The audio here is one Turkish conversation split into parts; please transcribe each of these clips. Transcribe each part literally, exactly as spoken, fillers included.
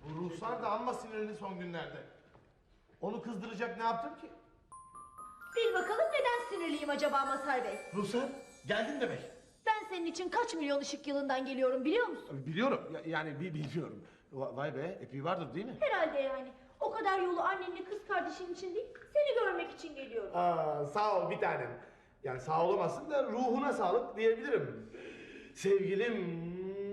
Bu Ruhsar da amma sinirli son günlerde. Onu kızdıracak ne yaptım ki? Bil bakalım neden sinirliyim acaba Mazhar Bey? Ruhsar geldin demek. Ben senin için kaç milyon ışık yılından geliyorum biliyor musun? Biliyorum ya- yani bi- biliyorum. Va- Vay be epey vardır değil mi? Herhalde yani. O kadar yolu annenle kız kardeşin için değil, seni görmek için geliyorum. Aa, sağ ol bir tanem. Yani sağ olamazsın da ruhuna sağlık diyebilirim. Sevgilim.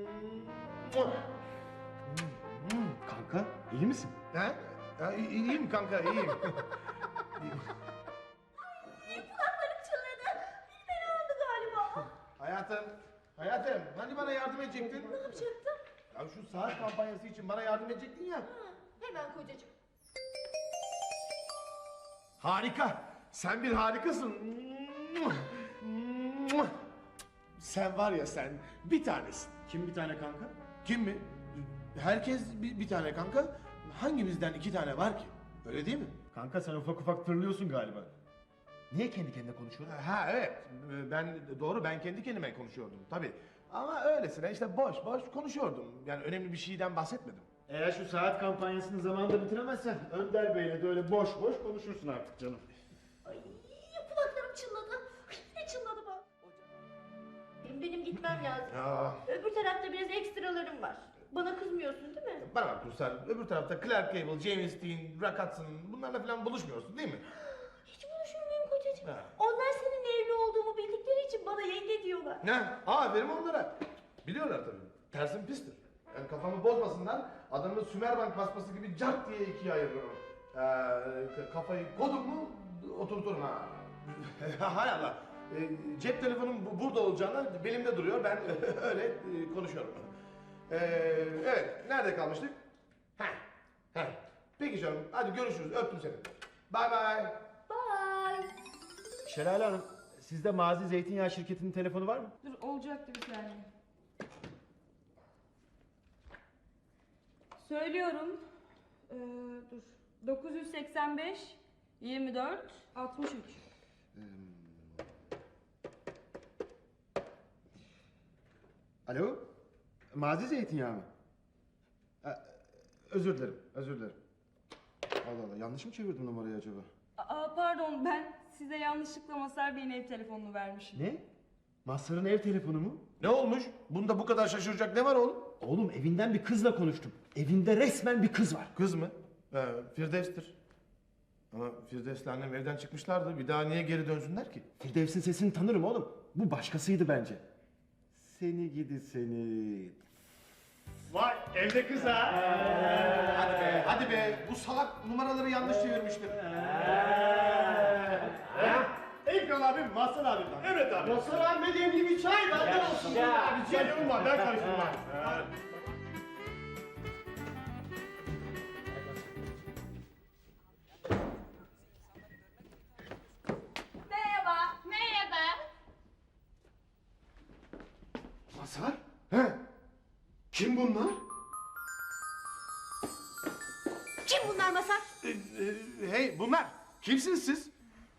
Kanka iyi misin? Ha? Ya, i- iyiyim kanka iyiyim. Kulaklarım çınladı. Bir fena oldu galiba. hayatım, hayatım hani bana yardım edecektin? Ne yapacaktım? Ya şu saat kampanyası için bana yardım edecektin ya. Ha, hemen kocacığım. Harika. Sen bir harikasın. Sen var ya sen bir tanesin. Kim bir tane kanka? Kim mi? Herkes bir, bir tane kanka. Hangimizden iki tane var ki? Öyle değil mi? Kanka sen ufak ufak tırlıyorsun galiba. Niye kendi kendine konuşuyorsun? Ha evet. Ben doğru ben kendi kendime konuşuyordum tabii. Ama öylesine işte boş boş konuşuyordum. Yani önemli bir şeyden bahsetmedim. Eğer şu saat kampanyasını zamanında bitiremezsen Önder Bey'le de öyle boş boş konuşursun artık canım. Ay, kulaklarım çınladı. Ay, ne çınladı bak. Benim, benim gitmem lazım. Ya. Öbür tarafta biraz ekstralarım var. Bana kızmıyorsun değil mi? Bana bak Ruslar, öbür tarafta Clark Gable, James Dean, Rock Hudson bunlarla falan buluşmuyorsun değil mi? Hiç buluşur muyum kocacığım? Ha. Onlar senin evli olduğumu bildikleri için bana yenge diyorlar. Ne? Aferin onlara. Biliyorlar tabii. Tersim pistir. Yani kafamı bozmasınlar, adamı Sümerbank basması gibi cart diye ikiye ayırırım. Ee, kafayı kodum mu oturturum ha. Hay Allah. Ee, cep telefonum bu- burada olacağına belimde duruyor. Ben öyle e, konuşuyorum. Ee, evet, nerede kalmıştık? Heh, heh. Peki canım, hadi görüşürüz. Öptüm seni. Bye bye. Bye. Şelale Hanım, sizde Mazi Zeytinyağı şirketinin telefonu var mı? Dur olacaktı bir saniye. Söylüyorum. Ee, dur. dokuz yüz seksen beş yirmi dört altmış üç. Alo? Mazi Zeytinyağı mı? Ha, özür dilerim, özür dilerim. Allah Allah, yanlış mı çevirdim numarayı acaba? Aa, pardon ben size yanlışlıkla Mazhar Bey'in ev telefonunu vermişim. Ne? Mazhar'ın ev telefonu mu? Ne olmuş? Bunda bu kadar şaşıracak ne var oğlum? Oğlum evinden bir kızla konuştum. Evinde resmen bir kız var. Kız mı? Ee, Firdevs'tir. Ama Firdevs'le annem evden çıkmışlardı. Bir daha niye geri dönsünler ki? Firdevs'in sesini tanırım oğlum. Bu başkasıydı bence. Seni gidi seni. Vay evde kız ha. Hadi be, hadi be. Bu salak numaraları yanlış çevirmiştir. Ekran abim, Mazhar abim. Evet abi. Mazhar abime demli bir çay benden olsun. Ya, bir şey var ben karıştırmam. Merhaba. Merhaba. Mazhar? He? Kim bunlar? Kim bunlar Mazhar? Ee, e, hey bunlar. Kimsiniz siz?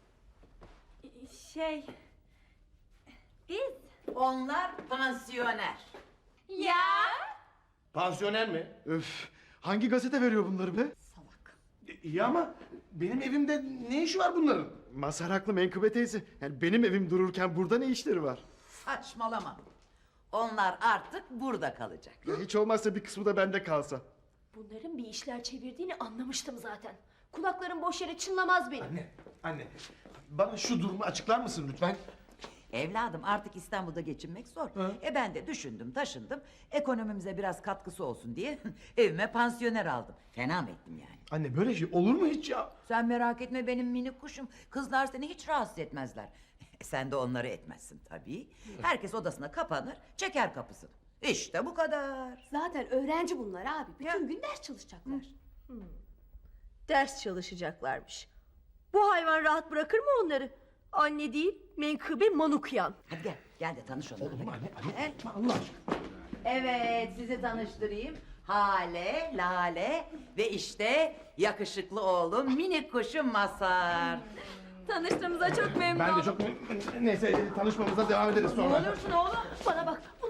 Şey... Biz... Onlar pansiyoner. Ya? Pansiyoner mi? Öf. Hangi gazete veriyor bunları be? Salak. E, İyi ama benim evimde ne işi var bunların? Mazhar haklı Menkıbe teyze. Yani benim evim dururken burada ne işleri var? Saçmalama. Onlar artık burada kalacak. Ya hiç olmazsa bir kısmı da bende kalsa. Bunların bir işler çevirdiğini anlamıştım zaten. Kulaklarım boş yere çınlamaz benim. Anne, anne. Bana şu durumu açıklar mısın lütfen? Evladım artık İstanbul'da geçinmek zor. E ben de düşündüm taşındım. Ekonomimize biraz katkısı olsun diye evime pansiyoner aldım. Fena mı ettim yani? Anne böyle şey olur mu hiç ya? Sen merak etme benim minik kuşum. Kızlar seni hiç rahatsız etmezler. Sen de onları etmezsin tabii. Herkes odasına kapanır, çeker kapısını. İşte bu kadar. Zaten öğrenci bunlar abi. Bütün Ya. gün ders çalışacaklar. Hmm. Ders çalışacaklarmış. Bu hayvan rahat bırakır mı onları? Anne değil, menkıbe manukyan. Hadi gel, gel de tanış onlarla. Oğlum anne, anne. Gel. Allah aşkına. Evet, sizi tanıştırayım. Hale, Lale ve işte yakışıklı oğlum minik kuşum Mazhar. Tanıştığımıza çok memnun Ben de oldum. çok... Neyse tanışmamıza devam ederiz sonra. Ne olursun oğlum? Bana bak, bunlar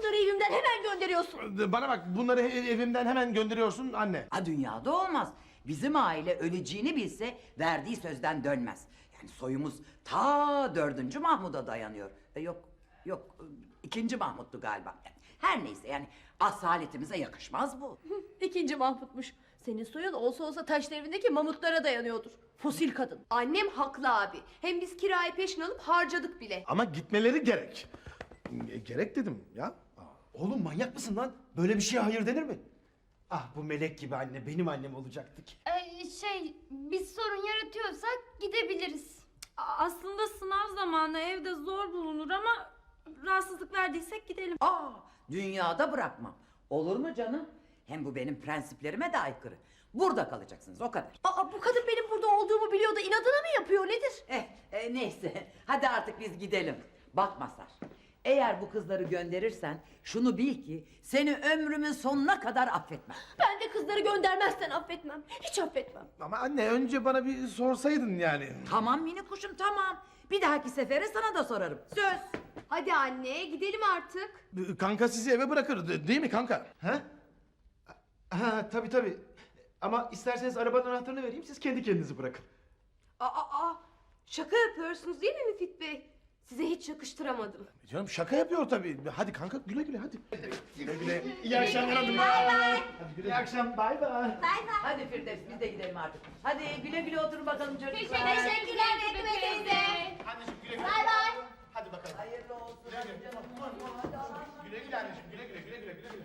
bunları evimden hemen gönderiyorsun. Bana bak, bunları ev- evimden hemen gönderiyorsun anne. Ha, dünyada olmaz. Bizim aile öleceğini bilse verdiği sözden dönmez. Yani soyumuz ta dördüncü Mahmud'a dayanıyor. E, yok, yok e, ikinci Mahmud'du galiba. Her neyse yani asaletimize yakışmaz bu. İkinci Mahmut'muş. Senin soyun olsa olsa taş devrindeki mamutlara dayanıyordur. Fosil kadın. Annem haklı abi. Hem biz kirayı peşin alıp harcadık bile. Ama gitmeleri gerek. E, Gerek dedim ya. Oğlum manyak mısın lan? Böyle bir şeye hayır denir mi? Ah bu melek gibi anne benim annem olacaktı ki. Ee, şey, biz sorun yaratıyorsak gidebiliriz. Aslında sınav zamanı evde zor bulunur ama rahatsızlık verdiysek gidelim. Aa, dünyada bırakmam. Olur mu canım? Hem bu benim prensiplerime de aykırı. Burada kalacaksınız o kadar. Aa, bu kadın benim burada olduğumu biliyor da inadına mı yapıyor nedir? Eh, e, neyse. Hadi artık biz gidelim. Bak Mazhar, eğer bu kızları gönderirsen şunu bil ki seni ömrümün sonuna kadar affetmem. Ben de kızları göndermezsen affetmem. Hiç affetmem. Ama anne, önce bana bir sorsaydın yani. Tamam mini kuşum tamam. Bir dahaki sefere sana da sorarım. Söz. Hadi anne gidelim artık. Kanka sizi eve bırakır de- değil mi kanka? Ha? Ha tabii tabii. Ama isterseniz arabanın anahtarını vereyim siz kendi kendinizi bırakın. Aa, aa, şaka yapıyorsunuz değil mi Müfit Bey? Size hiç yakıştıramadım. Canım şaka yapıyor tabii. Hadi kanka, güle güle hadi. Güle güle. İyi akşamlar hanım. Hadi güle. İyi akşam bay bay. Hadi Firdevs biz de gidelim artık. Hadi güle güle oturun bakalım çocuklar. Teşekkürler Betül teyze. Anneciğim güle güle. Bay bay. Hadi bakalım. Hayırlı olsun. Güle güle anneciğim, güle güle güle güle güle güle.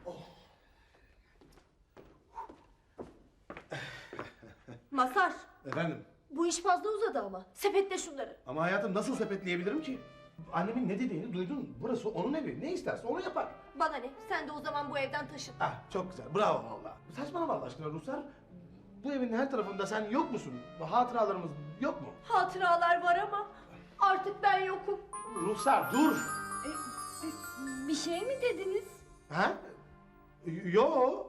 Masar, Efendim? bu iş fazla uzadı ama. Sepetle şunları. Ama hayatım, nasıl sepetleyebilirim ki? Annemin ne dediğini duydun. Burası onun evi. Ne isterse onu yapar. Bana ne? Sen de o zaman bu evden taşın. Ah, çok güzel. Bravo valla. Saçmalama Allah aşkına Ruslar. Bu evin her tarafında sen yok musun? Hatıralarımız yok mu? Hatıralar var ama artık ben yokum. Ruslar dur. Bir şey mi dediniz? Ha? Y- Yo.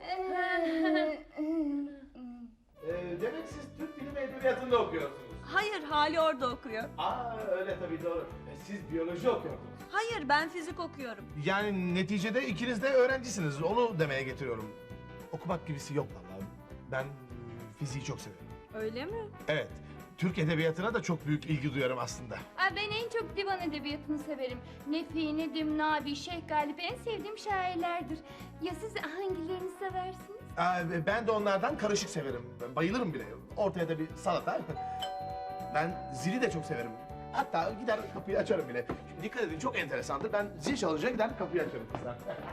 Ee, demek siz Türk Dili ve Edebiyatı'nda okuyorsunuz. Hayır, Hali orada okuyor. Aa, öyle tabii, doğru. E, siz biyoloji okuyordunuz. Hayır, ben fizik okuyorum. Yani neticede ikiniz de öğrencisiniz. Onu demeye getiriyorum. Okumak gibisi yok vallahi. Ben e, fiziği çok severim. Öyle mi? Evet. Türk edebiyatına da çok büyük ilgi duyuyorum aslında. Aa, ben en çok divan edebiyatını severim. Nefi, Nedim, Nabi, Şeyh Galip en sevdiğim şairlerdir. Ya siz hangilerini seversiniz? Aa, ben de onlardan karışık severim. Ben bayılırım bile. Ortaya da bir salata. Ben zili de çok severim. Hatta gider kapıyı açarım bile. Şimdi dikkat edin, çok enteresandır. Ben zil çalınca gider kapıyı açarım kızlar.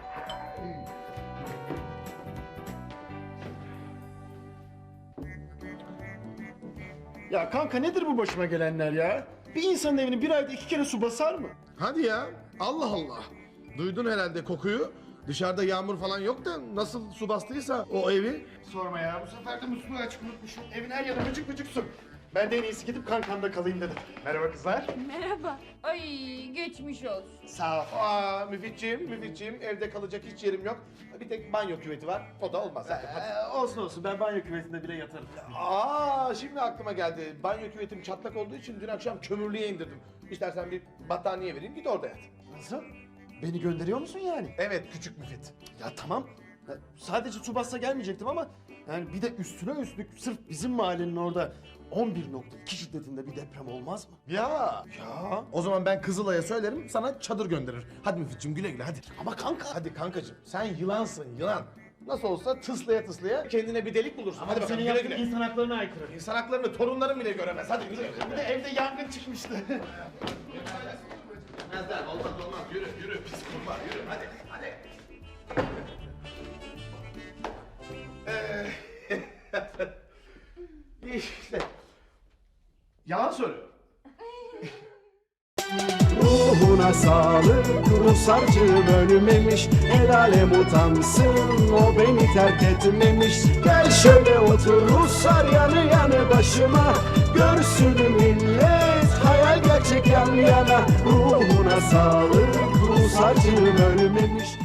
Ya kanka nedir bu başıma gelenler ya? Bir insanın evini bir ayda iki kere su basar mı? Hadi ya. Allah Allah. Duydun herhalde kokuyu. Dışarıda yağmur falan yok da nasıl su bastıysa o evi. Sorma ya bu sefer de musluğu açık unutmuşum. Evin her yanı vıcık vıcık su. Ben de en iyisi gidip kankamda kalayım dedim. Merhaba kızlar. Merhaba. Ay geçmiş olsun. Sağ ol. Aa Müfitciğim, Müfitciğim, evde kalacak hiç yerim yok. Bir tek banyo küveti var. O da olmaz zaten. Ee, olsun olsun ben banyo küvetinde bile yatarım. Aa, şimdi aklıma geldi. Banyo küvetim çatlak olduğu için dün akşam kömürlüğe indirdim. İstersen bir battaniye vereyim, git orada yat. Nasıl? Beni gönderiyor musun yani? Evet küçük Müfit. Ya tamam. Ya, sadece su bassa gelmeyecektim ama yani bir de üstüne üstlük sırf bizim mahallenin orada on bir nokta iki şiddetinde bir deprem olmaz mı? Ya. Ya. O zaman ben Kızılay'a söylerim, sana çadır gönderir. Hadi Müfitciğim, güle güle hadi. Ama kanka. Hadi kankacığım, sen yılansın yılan. Nasıl olsa tıslaya tıslaya kendine bir delik bulursun. Hadi bakalım, güle güle. insan haklarına aykırı. İnsan haklarını torunların bile göremez. Hadi güle güle. Bir de evde yangın çıkmıştı. Olmaz olmaz olmaz. Yürü yürü pis kurbağa yürü hadi hadi. Ee, işte yalan söylüyorum. Ruhuna sağlık, Rusarcığım ölmemiş. El alem utansın, o beni terk etmemiş. Gel şöyle otur Ruslar yanı yanı başıma. Görsün millet, hayal gerçek yan yana. Ruhuna sağlık, Rusarcığım ölmemiş.